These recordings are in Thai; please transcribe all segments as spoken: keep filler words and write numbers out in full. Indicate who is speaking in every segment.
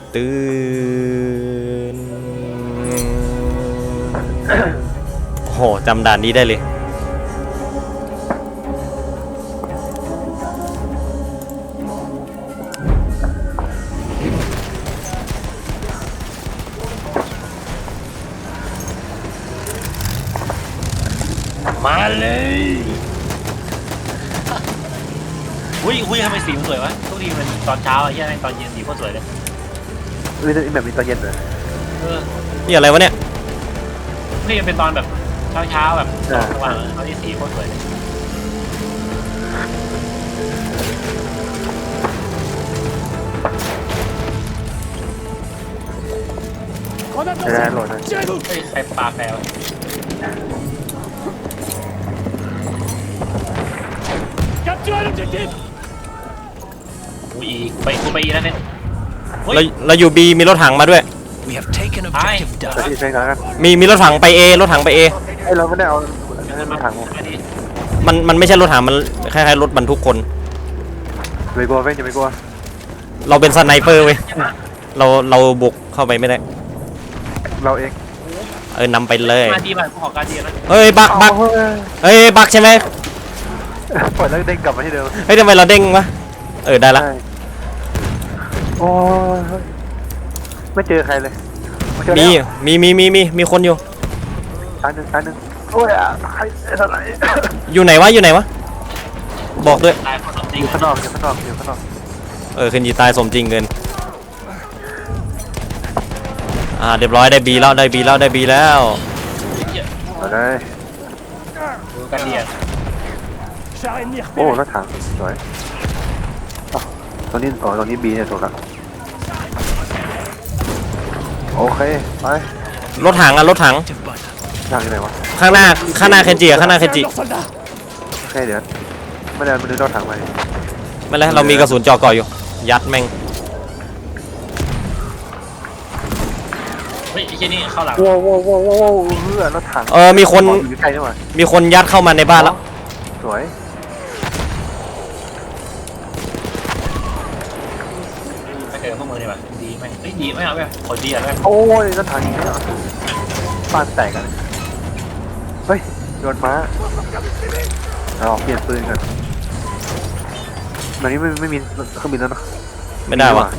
Speaker 1: ตื่นโอ้โหจำด่านนี้ได้เลย
Speaker 2: มาเลยอุ้ยอุ้ยทำไมสีมันสวยวะทุกทีมันตอนเช้าไอ้เหี้ยแม่งตอนเย็นสีโคตรสวยเลย
Speaker 3: มีแบบมีตอนเย็นเลย
Speaker 2: เออ
Speaker 1: นี่อะไรวะเนี่ย
Speaker 2: นี่มันเป็นตอนแบบเช้าเช้าแบบตอนกลางวันตอนที่สีโคตรสวยเลย
Speaker 3: จะได้โหลดนะ
Speaker 2: เฮ้ยใครปลาแฟร์วะอุ้ยอีกไปกูไปอีแล้วเนี่ย
Speaker 1: เราเราอยู่บีมีรถถังมาด้วย
Speaker 4: We have taken objective
Speaker 3: จะ
Speaker 4: Duff.
Speaker 3: ที่ใช้กันแล้วกัน
Speaker 1: มีมีรถถังไปเอรถถังไปเอ
Speaker 3: ไอเราไม่ได้เอานั่นมาถัง
Speaker 2: อันนี้
Speaker 1: มันมันไม่ใช่รถถังมันคล้ายๆรถบรรทุกคน
Speaker 3: ไม่กลัวเว้ยจะไม่กลัว
Speaker 1: เราเป็นสไนเปอร์เว้ยเราเราบุกเข้าไปไม่ได้
Speaker 3: เราเอง
Speaker 1: เออนำไปเลย
Speaker 2: มาดีมากูขอการดีนะ
Speaker 1: เฮ้ยบักบักเฮ้ยบักใช่ไหม
Speaker 3: ปล่อยแล้วเด้งกลับมาที่เดิม
Speaker 1: เฮ้ยทำไมเราเด้งวะเออได้ละ
Speaker 3: โอ้ยไม่เจอใครเลย
Speaker 1: มีมีมีมีมีมีคนอยู่
Speaker 3: ตายหนึ่งตายหนึ่งโอ้ยใครเท่าไหร่
Speaker 1: อยู่ไหนวะอยู่ไหนวะบอกด้วย
Speaker 2: ตายคนจริ
Speaker 3: อง ยู่ข้างนอกอยู่ข้างนอกอยู่ข้างนอก
Speaker 1: เออคืนจีตายสมจริงเกินอ่าเรียบร้อยได้บีแล้วได้บีแล้วได้บีแล้ว
Speaker 3: มาเลย
Speaker 2: ดูการดีอ่ะ
Speaker 3: โอ้รถถังสวยตอนนี้อ๋อตอนนี้บีเนี่ยถูกแล้วโอเคไป
Speaker 1: รถถังอ่ะรถถัง
Speaker 4: Objective button.
Speaker 3: ทางที่ไหนวะ
Speaker 1: ข้างหน้าข้างหน้าเคนจิอะข้างหน้าเคนจิ
Speaker 3: โอเคเดี๋ยวไม่ได้ไม่ได้รถถังไป
Speaker 1: ไม่เป็นไรเรามีกระสุนจ่อก่ออยู่ยัดแม่ง
Speaker 2: เฮ้ยไอ้เหี้ยนี่เข้าหลัง
Speaker 3: โว้โว้โว้โว้โว้เพื่อรถถัง
Speaker 1: เออมีคน
Speaker 3: อยู่ใกล้ใช่ไหม
Speaker 1: มีคนยัดเข้ามาในบ้านแล้ว
Speaker 3: สวย
Speaker 2: ไปเจอพวกมึงดีกว่าดีแม่งเฮ้ยดีไม่เอาแบบคนดีอ่ะแม่ง
Speaker 3: โอ้ยรถถังอย่างนี้บ้านแตกกันเฮ้ยโดนม้าเราเปลี่ยนปืนกันวันนี้ไม่ไม่มีเครื่องบินแล้วเนาะ
Speaker 1: ไม่ได้วะ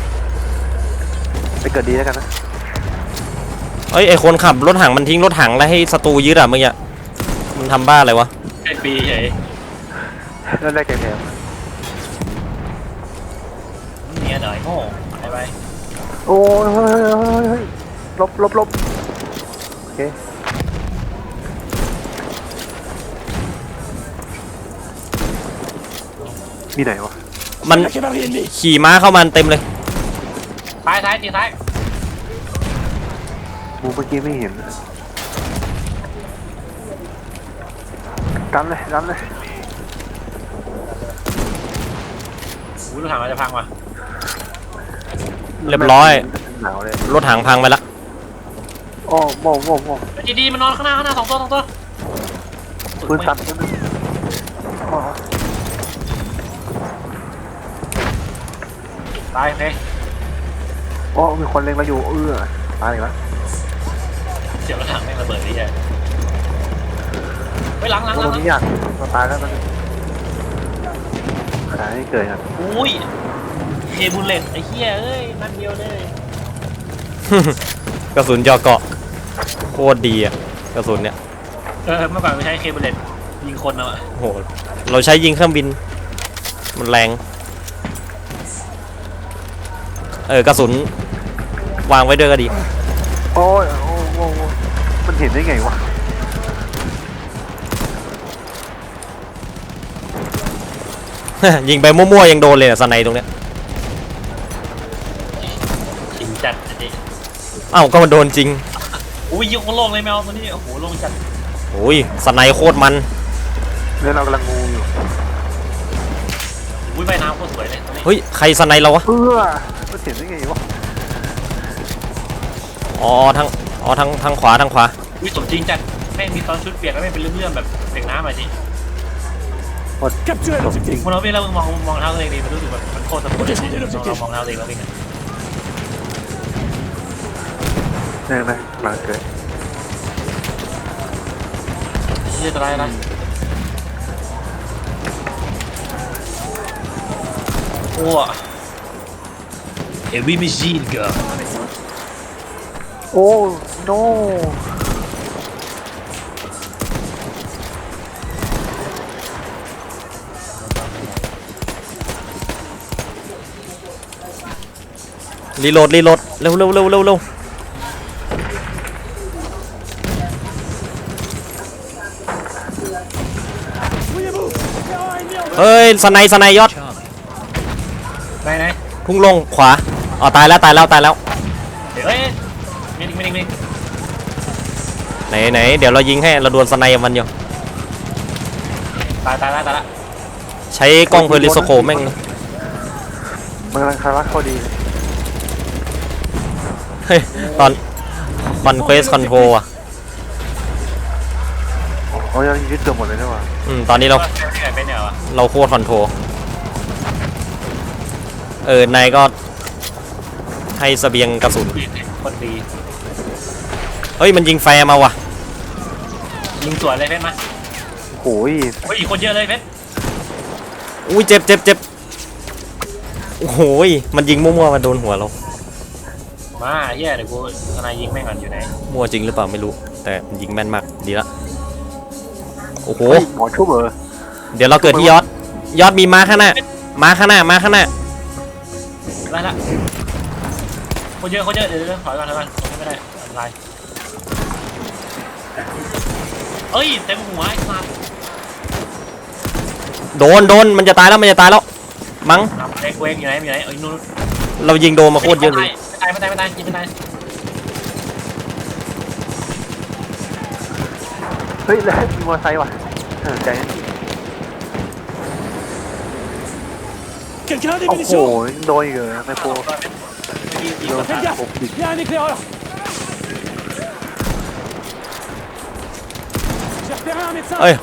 Speaker 3: ไปเกิดดีแล้วกันนะ
Speaker 1: เอ้ยไอคนขับรถถังมันทิ้งรถถังแล้วให้ศัตรูยึดอะเมื่อกี้มันทำบ้าอะไรวะ
Speaker 2: ไอ้ปีเฉย
Speaker 3: นั่นได้แก่แถม
Speaker 2: เนี่ยหน่อยโง่ไปไป
Speaker 3: โอ้ยเฮ้ยเฮ้ยเฮ้ยลบลบลบโอเคมีไหนวะ
Speaker 1: มันขี่ม้าเข้ามาเต็มเลย
Speaker 2: ซ้ายซ้ายตีซ้าย
Speaker 3: มูเมื่อกี้ไม่เห็นกันเลยกันเลย
Speaker 2: อุ้ยรถถังเราจะพังว่ะ
Speaker 1: เรียบร้อย
Speaker 3: หนาวเลย
Speaker 1: รถถังพังไปละ
Speaker 3: โอ้โม่โม่โม่
Speaker 2: จีดีมันนอนข้างหน้าข้างหน้าสองตัวสองตัว
Speaker 3: ปืนสั่นปืนอ๋อ
Speaker 2: ตายโอเค
Speaker 3: โอ้มีคนเล็งเราอยู่เอื้อตายอีกแล้ว
Speaker 2: เสียงรถถังไม่งระเบิดเลยใช่ไปหลังหลังห
Speaker 3: โอ้
Speaker 2: ลัง
Speaker 3: ตรงนี้อยากเราตายแล้วมันตายให้เกิดครับ
Speaker 2: อุ้ยเคบุลเลตไอ้เหี้ยเอ้ยนัดเดียวเลย
Speaker 1: กระสุนจ่อเกาะโคตรดีอะกระสุนเนี่ย
Speaker 2: เออเมื่อก่อนไม่ใช้เคบุลเลตยิงคนเอาอะ
Speaker 1: โอ้โหเราใช้ยิงเครื่องบินมันแรงเออกระสุนวางไว้ด้วยก็ดี
Speaker 3: โอ้ยโอ้โหมันเห็นได้ไงวะ
Speaker 1: ยิงไปมั่วๆยังโดนเลยอะสไนตรงเนี้ย
Speaker 2: จริงจัดจริง
Speaker 1: อ้าวก็มันโดนจริง
Speaker 2: อุ้ยยิงคนโล่งเลยแมวตัวนี้โอ้โหโล่งจัด
Speaker 1: โอ้ยสไนโคตรมัน
Speaker 3: เนี่ยเรากำลังงูอยู่
Speaker 2: อุ้ยใบน้ำโคตรสวยเลยตัวนี้
Speaker 1: เฮ้ยใครสไนเราวะ
Speaker 3: เอื้อมันเห็นได้ไงวะ
Speaker 1: อ๋อทางอ๋อทางทางขวาทางขวา
Speaker 2: อุ้ยสมจริงจัดแม่งมีตอนชุดเปียกแล้วแม่งเป็นเรื่องๆแบบเปียกน้ำมาจริง
Speaker 4: Capture an objective.
Speaker 2: มึงเราวิ่งแล้วมึงมองมองเท้าตัวเองดิมันรู้สึกแบบมันโคตรสะกดเลยลองมองเท้าตัวเองแล้ววิ่ง
Speaker 3: เนี่ยนะกำลังเกิด
Speaker 2: เฮียอะไรอะไรโอ้
Speaker 4: Heavy machine gun.
Speaker 3: โอ้ no
Speaker 1: รีโหลดรีโหลดเร็วเร็วเร็วเร็วเร็วเฮ้ยสไนสไนยอด
Speaker 4: Charlie.
Speaker 2: ไหนไหน
Speaker 1: พุ่งลงขวาอ๋อตายแล้วตายแล้วตายแล้ว
Speaker 2: เดี๋ยวเอ้ยมินิมินิมินิ
Speaker 1: ไหนไหนเดี๋ยวเรายิงให้เราดวลสไนกับมันอยู่
Speaker 2: ตายตายแล้วตายแล้ว
Speaker 1: ใช้กล้องเพลิสโคปแม่ง
Speaker 3: มันกำลังคารักเขาดี
Speaker 1: เฮ้ยตอนคอนเควสคอนโทรอ่ะ
Speaker 3: โอ้ยยังยึดเกือบหมดเลยนี่หว่า
Speaker 1: อืมตอนนี้เรา
Speaker 2: ที่ไหนเป็นเนี่ยวะ
Speaker 1: เราโคตรคอนโทรเออนายก็ให้เสบียงกระสุน
Speaker 2: คนดี
Speaker 1: เฮ้ยมันยิงแฟร์มาว่ะ
Speaker 2: ยิงสวนเลยเพชรมา
Speaker 3: โอ้ย
Speaker 2: เฮ้ยคนเยอะเลยเพชร
Speaker 1: อุ้ยเจ็บเจ็บเจ็บโอ้โหยมันยิงมั่วๆมาโดนหัวเรา
Speaker 2: มาเฮียเดี๋ยวกูทนายยิงแม่งก่อนอยู่ไหน
Speaker 1: มั่วจริงหรือเปล่าไม่รู้แต่มันยิงแม่นมากดีละโอ้โห
Speaker 3: เฮ้ยหมอชุบเหรอ
Speaker 1: เดี๋ยวเราเกิดที่ยอดยอดมีม้าข้างหน้าม้าข้างหน้าม้าข้างหน้า
Speaker 2: ได้ละคนเยอะคนเยอะเดี๋ยวเดี๋ยวถอยก่อนถอยก่อนตรงนี้ไม่ได้อันตรายเอ้ยเต็มหัวไอ้สัส
Speaker 1: โดนโดนมันจะตายแล้วมันจะตายแล้วมั้ง
Speaker 2: นำเล็กเวงอยู่ไหนอยู่ไหนเอ้ยนู่น
Speaker 1: เรายิงโดนมาโคตรเยอะเลย
Speaker 2: ไม่ตายไม่ตายไม่ตายยิงไม่ตาย
Speaker 3: เฮ้ยแล้วมีมอเตอร์ไซค์ว่ะเออใจเย็น
Speaker 4: Quelqu'un a des
Speaker 3: โอ้โห
Speaker 4: munitions?
Speaker 3: โดนอีกเหรอไม่โปร
Speaker 2: ยิง
Speaker 3: โด
Speaker 2: ก่อน น
Speaker 3: ทาง
Speaker 2: นะ
Speaker 3: ผมผิด
Speaker 4: Il y a un éclaireur. J'ai repéré un médecin.
Speaker 1: เอ้ย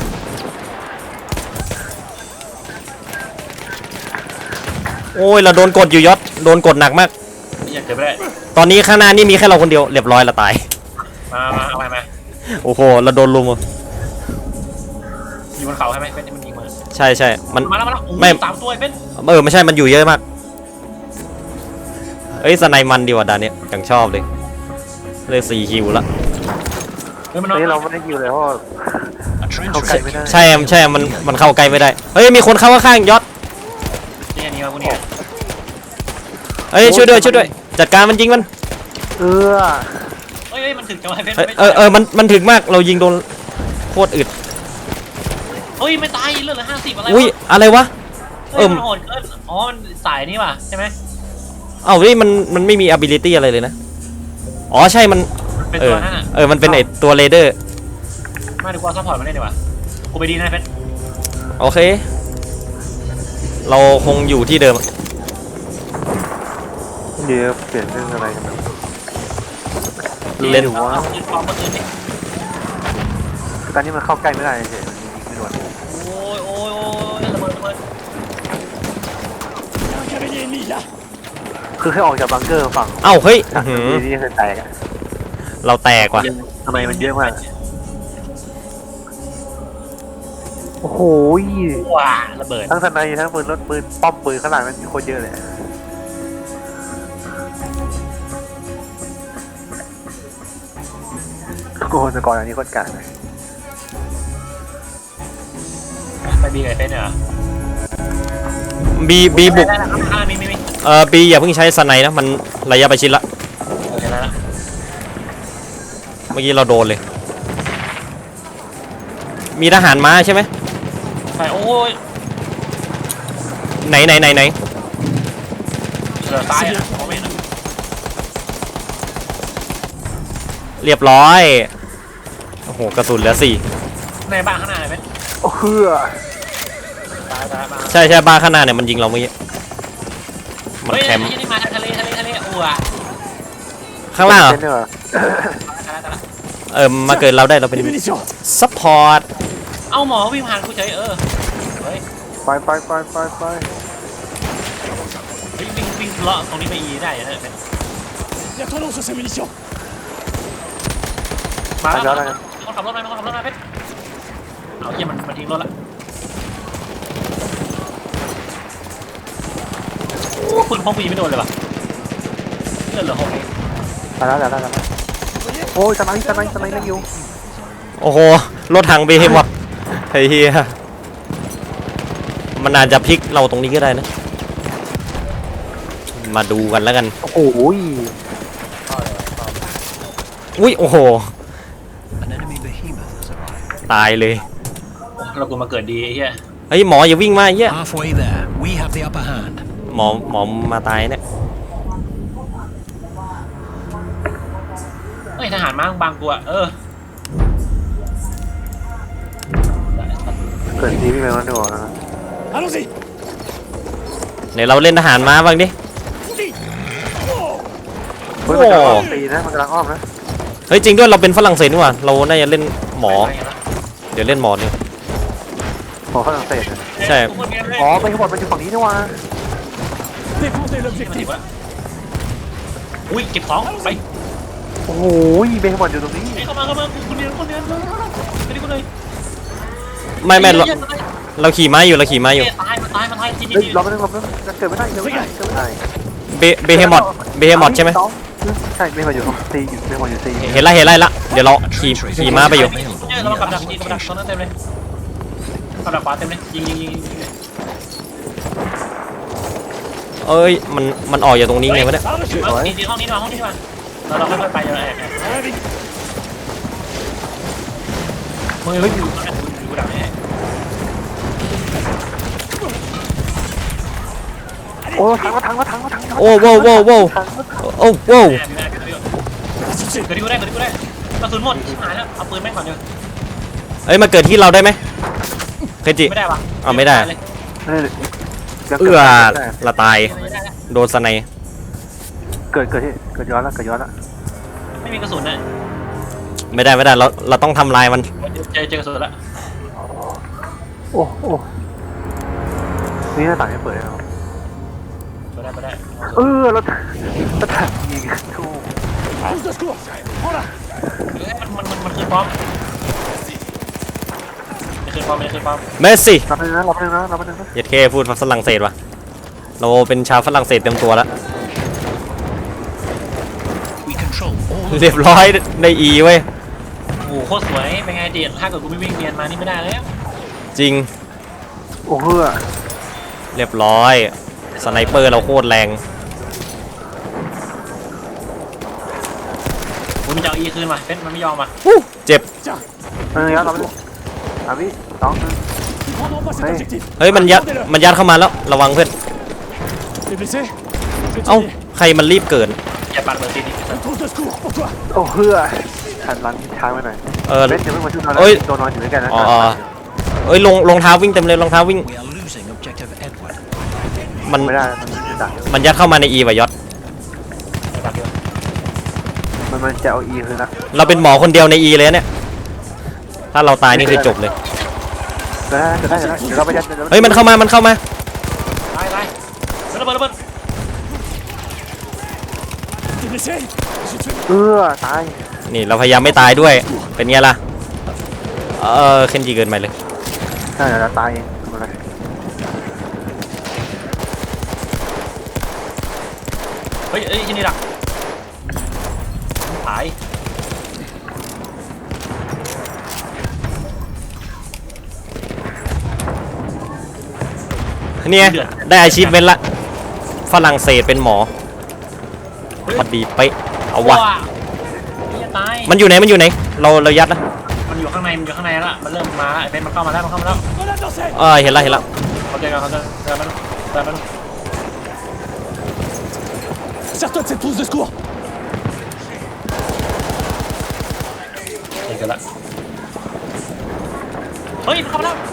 Speaker 1: โอ้ยเราโดนกดอยู่ยอดโดนกดหนักมาก
Speaker 2: อย่าเกิดไม่ได้
Speaker 1: ตอนนี้ข้างหน้านี่มีแค่เราคนเดียวเรียบร้อยละตาย
Speaker 2: มามาเอาไปมา
Speaker 1: โอ้โหเราโดนลุมอ่ะ
Speaker 2: อยู่บนเขาใช่ไหมเป็นมันยิงมา
Speaker 1: ใช่ใช่มัน
Speaker 2: มาแล้วมาแล้วโอ้
Speaker 1: ไม่
Speaker 2: ยสามตัวไอ้เป็น
Speaker 1: เออไม่ใช่มันอยู่เยอะมากเอ้ยสไนมันดีกว่าด่านเนี้ยอย่างชอบเลยเลยสี่คิวละ
Speaker 2: เฮ้ยมัน
Speaker 3: ต
Speaker 2: น
Speaker 3: อ
Speaker 2: อน น
Speaker 3: นี้เราไม่ได้คิวเลยเพราะว่า
Speaker 4: A trench
Speaker 3: เข้าใกล้ไม่ได้
Speaker 1: ใช่ใช่มันมันเข้าใกล้ไม่ได้เฮ้ยมีคนเข้าข้างๆยอด
Speaker 2: นี่อันนี้มาพวกนี้
Speaker 1: เฮ้ยช่วยด้วยช่วยด้วยจัดการมันยิงมัน
Speaker 3: เออ
Speaker 2: เฮ้ยเฮ้ยมันถึงจังหวะเพชร
Speaker 1: เอ้ย
Speaker 2: ไม่
Speaker 1: เออเออมันมันถึงมากเรายิงโดนโคตรอึด
Speaker 2: เฮ้ยไม่ตายเลือดเหลือห้าสิบอะไร
Speaker 1: อุ้ยว
Speaker 2: ะ
Speaker 1: อะไรวะ
Speaker 2: เฮ้ยมันโหดเกินอ๋อมันสายนี่ว่ะใช่ไหม
Speaker 1: เอ้าเฮ้ยมันมันไม่มี ability อะไรเลยนะอ๋อใช่มัน
Speaker 2: เป็น
Speaker 1: เอ
Speaker 2: ตั
Speaker 1: อ
Speaker 2: วนั่นอ่ะ
Speaker 1: เออมันเป็นไอตัวเรเดอร์
Speaker 2: มาดูกูเอาซัพพอร์ตมาเล่นดีกว่ากูไปดีนะเพชร
Speaker 1: โอเค เราคงอยู่ที่เดิม
Speaker 3: เดี๋ยวเปลี่ยนเรื่องอะไรกันนะ
Speaker 1: เล่น
Speaker 3: หรือว่า
Speaker 2: เอาปืนปลอมมาปืนดิ
Speaker 3: ตอนนี้มันเข้าใกล้ไม่ได้เฉยมันยิงไม่โดน
Speaker 2: โอ้ยโอ้ยโอ้ยระเบิดระเบิด
Speaker 4: Il y a un cavalier ennemi là.
Speaker 3: คือแค่ออกจากบังเกอร์ฝั่ง
Speaker 1: เอ้าเฮ้ยอื้อหือ
Speaker 3: นี่นี่คือแตกอะ
Speaker 1: เราแตกว่ะ
Speaker 3: ทำไมมันเยอะมากโอ้โห
Speaker 2: ว้าระเบิด
Speaker 3: ทั้งทนายทั้งปืนรถปืนป้อมปืนข้างหลังมันมีคนเยอะเลยโอ้โหแต่ก่อนอันนี้คนกลางเลย
Speaker 2: ไปบีกับเพชรเนี่ยเหรอ
Speaker 1: บีบีบุก
Speaker 2: ได้แล้วครับอ่ามีมีมี
Speaker 1: เอ่อบีอย่าเพิ่งใช้สไนนะมันระยะประชิดละ
Speaker 2: โอเคได้แล้ว
Speaker 1: เมื่อกี้เราโดนเลย มีทหารม้าใช่ไหม
Speaker 2: ใช่โอ้ย
Speaker 1: ไหนไหนไหนไหน
Speaker 2: เหลือซ้ายอ่ะมองไม่เห็นอะ
Speaker 1: เรียบร้อยโอ้โหกระสุนเหลือสี่
Speaker 2: ในบ้านข้างหน้าเลยเพชร
Speaker 3: โอ้เฮือ
Speaker 2: ซ้ายซ้ายมา
Speaker 1: ใช่ใช่บ้านข้างหน้าเนี่ยมันยิงเราเมื่อกี้มัน
Speaker 2: เฮ้ย
Speaker 1: แคมป์
Speaker 2: นี่มาทางทะเลทะเลทะเลอ้ว
Speaker 1: ข้างล่างเหรอ
Speaker 3: เนเหรอ
Speaker 2: ตายแล้วตายแล้ว
Speaker 1: เออมาเกิดเราได้เราเป็น
Speaker 4: Des munitions.
Speaker 1: ซัพพอร์ต
Speaker 2: เอ้าหมอวิ่งผ่านกูเฉยเออเฮ้ย
Speaker 3: ไปไปไปไปไป
Speaker 2: วิ่งวิ่งวิ่งเลาะตรงนี้ไปอีได้อยู่นะเพชร
Speaker 4: Il y a ton nom sur ces munitions.
Speaker 2: มา
Speaker 3: ไป
Speaker 2: แล้ว
Speaker 3: แล้ว
Speaker 2: มา
Speaker 3: กัน
Speaker 2: คนขับรถมาคนขับรถมาเพชรเอาเยี่ยมันมันทิ้งรถละโอ้ปืนพกปีไม่โดนเลยว่ะเลือดเหลือหกเอง
Speaker 3: ไปแล้วแล้วแล้วโอ้ยสไนส์สไนส์สไนส์นั่งอยู่
Speaker 1: โอ้โหรถถังเบเฮมว่ะไอ้เฮียมันอาจจะพลิกเราตรงนี้ก็ได้นะมาดูกันแล้วกัน
Speaker 3: โอ้โห
Speaker 1: อุ้ยโอ้โห
Speaker 4: An enemy behemoth has arrived.
Speaker 1: ตายเลย
Speaker 2: เรากูมาเกิดดีไอ้เหี้ย
Speaker 1: เฮ้ยหมออย่าวิ่งมาไอ้เฮีย
Speaker 4: Halfway there, we have the upper hand.
Speaker 1: หมอหมอมาตายเนี่ย
Speaker 2: เฮ้ยทหารมาบางกูอะเออ
Speaker 3: เกิดทีพี่แมวนั่นดูนะ
Speaker 4: Allons-y.
Speaker 1: เดี๋ยวเราเล่นทหารม้าบ้างดิ
Speaker 3: เฮ้ยมันกำลังอ้อมตีนะมันกำลังอ้อมนะ
Speaker 1: เฮ้ยจริงด้วยเราเป็นฝรั่งเศสนี่หว่าเราน่าจะเล่นหมอ เดี๋ยวเล่นหมอเนี่ย
Speaker 3: หมอฝรั่งเศส
Speaker 1: ใช่
Speaker 3: อ๋อไปขบวนมันอยู่ฝั่งนี้นี่วะ
Speaker 4: Défendez
Speaker 2: มัน
Speaker 4: l'objectif.
Speaker 2: ถิบอะอุ้ยเก็บของไป
Speaker 3: โอ้โหเบย์ขบวนอยู่ตรงนี้
Speaker 2: เฮ้ยเข้ามาเข้ามาคุณเรียนคุณเรียนไปดิคุณเลย
Speaker 1: ไม่ไม่เราเราขี่ม้าอยู่เราขี่ม้าอยู่
Speaker 2: ตายมันตายมันตายทีนี้
Speaker 3: เฮ้ยรอมาหนึ่งรอมาหนึ่งเกิดไม่ได้เกิดไม่ได้เกิดไม่ได้
Speaker 1: เบเบเฮมอดเบเฮมอดใช่ไหม
Speaker 3: ใช่เบย์ขบวนอยู่ซีอยู่เบย์ขบวนอยู่ซี
Speaker 1: เห็นละเห็นละเห็นละเดี๋ยวเราขี่ขี่ม้าไปอยู่
Speaker 2: เฮ้ยเรากับดักยิงกับดักตอนนั้นเต็มเลยกับดักขวาเต็มเลยยิงยิงยิง
Speaker 1: เอ้ยมันมันออกจากตรงนี้ไงวะเนี่ย
Speaker 4: Par le chute.
Speaker 2: เฮ้ยทีห้องนี้มาห้องนี้มาเราเราค่อยๆไปเราแอบ
Speaker 4: Allez, vite.
Speaker 2: เฮ้ยเฮ้ยอยู่อยู่ดักนี่
Speaker 3: โอ้ถังมาถังมาถังมาถัง
Speaker 1: โอ้โว้โว้โว้โอ้โว้
Speaker 2: แอบอยู่แอบอยู่เกิดที่กูได้เกิดที่กูได้กระสุนหมดหายแล้วเอาปืนแม่งก่อนเดี๋ยว
Speaker 1: เอ้ยมาเกิดที่เราได้ไหมเคจิ
Speaker 2: ไม่ได้ปะ
Speaker 1: อ้าวไม่ได้ เอื้อละตายโดนสไน
Speaker 3: เกิดเกิดที่เกิดย้อนแล้วเกิดย้อนแล้ว
Speaker 2: ไม่มีกระสุนนะ
Speaker 1: ไม่ได้ไม่ได้เราเราต้องทำลายมัน
Speaker 2: เจอเจอกระสุนแล้ว
Speaker 3: โอ้โอ้นี่หน้าต่างยังเปิดแล้ว
Speaker 2: ไปได้ไปได้
Speaker 3: เออรถรถถังยิงโอ้
Speaker 4: Trousse de secours. Prends-la.
Speaker 2: มันมันมันคือป้อมไม่คือป้อมไม่คือป้อม
Speaker 1: เมสซี่
Speaker 3: รับไปนะรับไปนะรับไปนะ
Speaker 1: ยัดเคพูดฝรั่งเศสวะเราเป็นชาวฝรั่งเศสเต็มตัวแล้ว
Speaker 4: We control all.
Speaker 1: เรียบร้อยในอีเว้ย
Speaker 2: โอ้โหโคตรสวยเป็นไงเดียดถ้าเกิดกูไม่วิ่งเนียนมานี่ไม่ได้แล้ว
Speaker 1: จริง
Speaker 3: โอ้เฮือ
Speaker 1: เรียบร้อยสไนเปอร์เราโคตรแรง
Speaker 2: กูมันจะเอาอีคืนมาเป็นมันไม่ยอมมา
Speaker 1: เจ็บ
Speaker 4: Tiens,
Speaker 3: เออรับไปสามวิสอง
Speaker 4: ils prendront pas cet
Speaker 3: Ouais.
Speaker 4: objectif.
Speaker 1: เฮ้ยมันยัดมันยัดเข้ามาแล้วระวังเพื่อน
Speaker 4: T'es blessé? Je vais
Speaker 1: เอ้า
Speaker 4: t'aider.
Speaker 1: ใครมันรีบเกิด
Speaker 2: อย่าปัดเบอร์ซีนี่
Speaker 4: Une trousse de secours pour toi.
Speaker 3: โอ้เฮือหันหลังช้างไปหน่อย
Speaker 1: เออ
Speaker 3: เบนจะไม่มาช่วยเรา
Speaker 1: เอ้ย
Speaker 3: ตัวนอนอยู่ด้วยกันนะ
Speaker 1: อ๋ออ๋อ เอ้ยลงรองเท้าวิ่งเต็มเลยรองเท้าวิ่ง
Speaker 4: We are losing objective Edward.
Speaker 1: มัน
Speaker 3: ไม่ได้มันจะดัก
Speaker 1: มันยัดเข้ามาในอีวะยศ
Speaker 2: ปัดเดียว
Speaker 3: มันมันจะเอาอีคืนละ
Speaker 1: เราเป็นหมอคนเดียวในอีเลยเนี่ยถ้าเราตายนี่คือจบเลย
Speaker 3: จะได้จะได้จะได้เดี๋ยวเราไปยัด
Speaker 1: เฮ้ยมันเข้ามามันเข้ามา
Speaker 2: ตายตายระเบิดระเบิด
Speaker 4: T'es blessé? Je te fais.
Speaker 3: เออตาย
Speaker 1: นี่เราพยายามไม่ตายด้วยเป็นไงล่ะเออเคนจีเกินไปเลย
Speaker 3: ใช่เดี๋ยวเราตายเองทำอะไร
Speaker 2: เฮ้ยเฮ้ยที่นี่ดักตาย
Speaker 1: เนี่ยได้อาชีพเป็นละฝรั่งเศสเป็นหมอพอดีเป๊ะเอาวะ
Speaker 2: นี่ตาย
Speaker 1: มันอยู่ไหนมันอยู่ไหนเราเรายัดนะ
Speaker 2: มันอยู่ข้างในมันอยู่ข้างในแล้วมันเริ่มมาไอ้เป็นมันเข้ามาแล้วมันเข้ามาแล้ว
Speaker 4: Grenade lancée.
Speaker 1: เออเห็นละเห็นละ
Speaker 2: เขาเจอกันเขาเจอเจอมันเจอมัน
Speaker 4: Sers-toi de cette trousse de secours.
Speaker 2: เจอกันละเฮ้ยมันเข้ามาแล้ว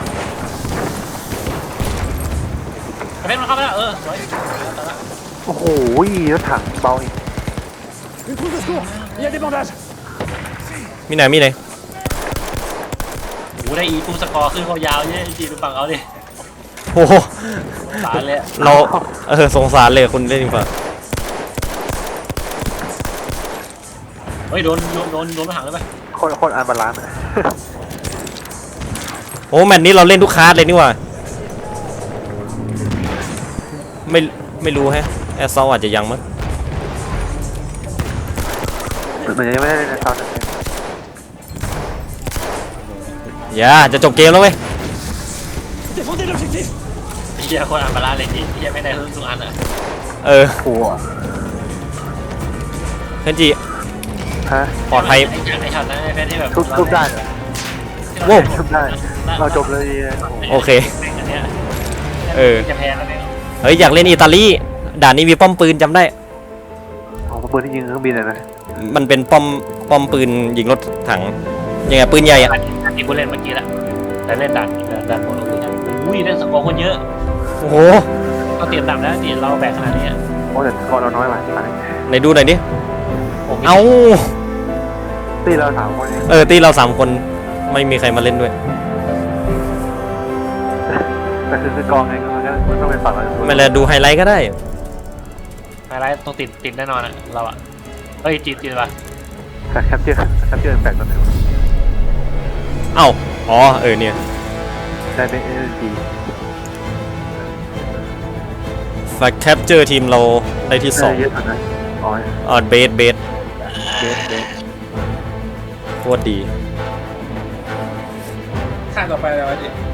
Speaker 2: ไอ้เป็นมันเข้ามาแล้วเออสวย
Speaker 3: โอ้โหรถถังเบาอีก
Speaker 4: Une trousse de secours. Il y a des bandages.
Speaker 1: มีไหนมีไหน
Speaker 2: โอ้ได้อีฟูสกอร์ขึ้นเขายาวเยอะจีดูฝั่งเขาดิ
Speaker 1: โอ้โห
Speaker 2: สารเลย
Speaker 1: เราเออสงสารเลยคุณเล่นดีกว่า
Speaker 2: เฮ้ยโดนโดนโดนโดนรถถังเลยไป
Speaker 3: คตรโคตรอันบาลานซ์อะ
Speaker 1: โอ้แมตช์นี้เราเล่นทุกคลาสเลยนี่หว่าไม่ไม่รู้แฮะแอสซอลอาจจะยังมั้ง
Speaker 3: เหมือนยังไม่ได้ในตอนนั้น
Speaker 1: อย่าจะจบเกมแล้วเว้ย
Speaker 4: Défendez l'objectif.
Speaker 2: เฮียคนอันบาลานซ์เลยที่เฮียไม่ได้ทุกอันอ่ะ
Speaker 1: เออ
Speaker 3: โอ้โห
Speaker 1: เคนจิ
Speaker 3: ฮะ
Speaker 1: ปลอดภัย
Speaker 2: ไอ้ช็อตไอ้ช็อตนั้นไอ้เพชรที่แบบ
Speaker 3: ทุบทุบได้เหรอ
Speaker 1: โว้ว
Speaker 3: ทุบได้เราจบเลยโอ้โห
Speaker 1: โอเค
Speaker 2: อันเนี้ย
Speaker 1: เออ
Speaker 2: จะแพ้แล้วเนี่ย
Speaker 1: เฮ้ยอยากเล่นอิตาลีด่านนี้มีป้อมปืนจำได้
Speaker 3: ของปืนที่ยิงเครื่องบินเลยนะ
Speaker 1: มันเป็นป้อมป้อมปืนยิงรถถังยังไงปืนใหญ่อะ
Speaker 2: อันที่กูเล่นเมื่อกี้ละแต่เล่นดันดันโมโนเลยอุ้ยได้สกอร์คนเยอะ
Speaker 1: โอ้โห
Speaker 2: ก็เตรียมต่ำแล้วเตรียมเราแบกขนาดนี้
Speaker 3: โอ้แต่กอเราน้อยว่ะตอนนี้
Speaker 1: ไหนดูหน่อยดิ
Speaker 2: ผม
Speaker 1: เอา
Speaker 3: ตีเราสามคนเอง
Speaker 1: เออตีเราสามคนไม่มีใครมาเล่นด้วย
Speaker 3: แต่คือคือกองไงก็มันก็มันต้องเป็นฝั่งเรา
Speaker 1: ไม่เลยดูไฮไลท์ก็ได้
Speaker 2: ไฮไลท์ต้องติดติดแน่นอนอะเราอะเฮ้ยจีนจีนป่ะ
Speaker 3: แคปเจอร์แคปเจอร์แปดตัวหนึ่ง
Speaker 1: เอ้าอ๋อเออเนี่ย
Speaker 3: ได้เป็นเอ็นจี
Speaker 1: แฟกแคปเจอร์ทีมเราได้ที่สอง
Speaker 3: เยอะสุดนะอ๋อ
Speaker 1: อ๋อเบสเบส
Speaker 3: เบสเบส
Speaker 1: โคตรดี
Speaker 2: ข้างต่อไปอะไรวะจี